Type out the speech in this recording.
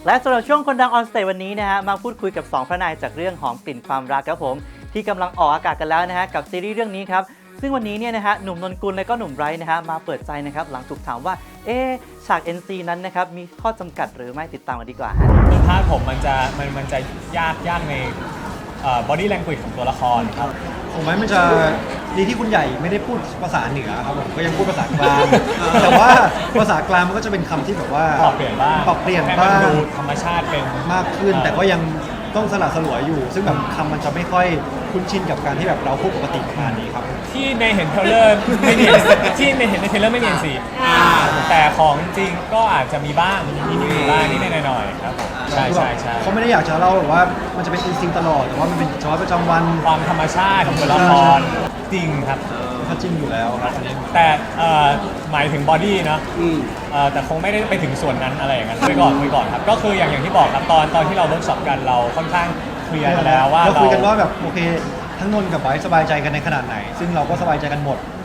และสำหรับช่วงคนดังออนสเตจวันนี้นะฮะมาพูดคุยกับ2พระนายจากเรื่องหอมกลิ่นความรักครับผมที่กำลังออกอากาศกันแล้วนะฮะกับซีรีส์เรื่องนี้ครับซึ่งวันนี้เนี่ยนะฮะหนุ่มนนกุลและก็หนุ่มไบรท์นะฮะมาเปิดใจนะครับหลังถูกถามว่าฉาก NC นั้นนะครับมีข้อจำกัดหรือไม่ติดตามกันดีกว่าฮะคือภาพผมมันจะยากในbody language ของตัวละครครับผมว่ามันจะดีที่คุณใหญ่ไม่ได้พูดภาษาเหนือครับผมก็ยังพูดภาษากลาง แต่ว่าภาษากลางมันก็จะเป็นคำที่แบบว่าปรับเปลี่ยนบ้างให้มันดูธรรมชาติเป็นมากขึ้นแต่ก็ยังต้องสลัดสลวยอยู่ ซึ่งแบบคำมันจะไม่ค่อยคุ้นชินกับการที่แบบเราพูดปกติประมาณนี้ครับที่ในเห็นเทรลเลอร์ไม่มีที่ในเห็นในเทรลเลอร์ไม่มีNCแต่ของจริงก็อาจจะมีบ้างมีบ้างนิดหน่อยๆครับผมใช่เขาไม่ได้อยากจะเล่าแบบว่ามันจะเป็นอินสติ้งตลอดแต่ว่ามันเป็นชีวิตประจำวันความธรรมชาติของตัวละครจริงครับเขาจริงอยู่แล้วครับแต่หมายถึงบอดี้เนาะแต่คงไม่ได้ไปถึงส่วนนั้นอะไรอย่างนั้นไปก่อนครับก็คืออย่างที่บอกครับตอนที่เราเวิร์กช็อปกันเราค่อนข้างเคลียร์กันแล้วว่าเราคุยกันว่าแบบโอเคทั้งนนท์กับไบร์ทสบายใจกันในขนาดไหนซึ่งเราก็สบายใจกันหมด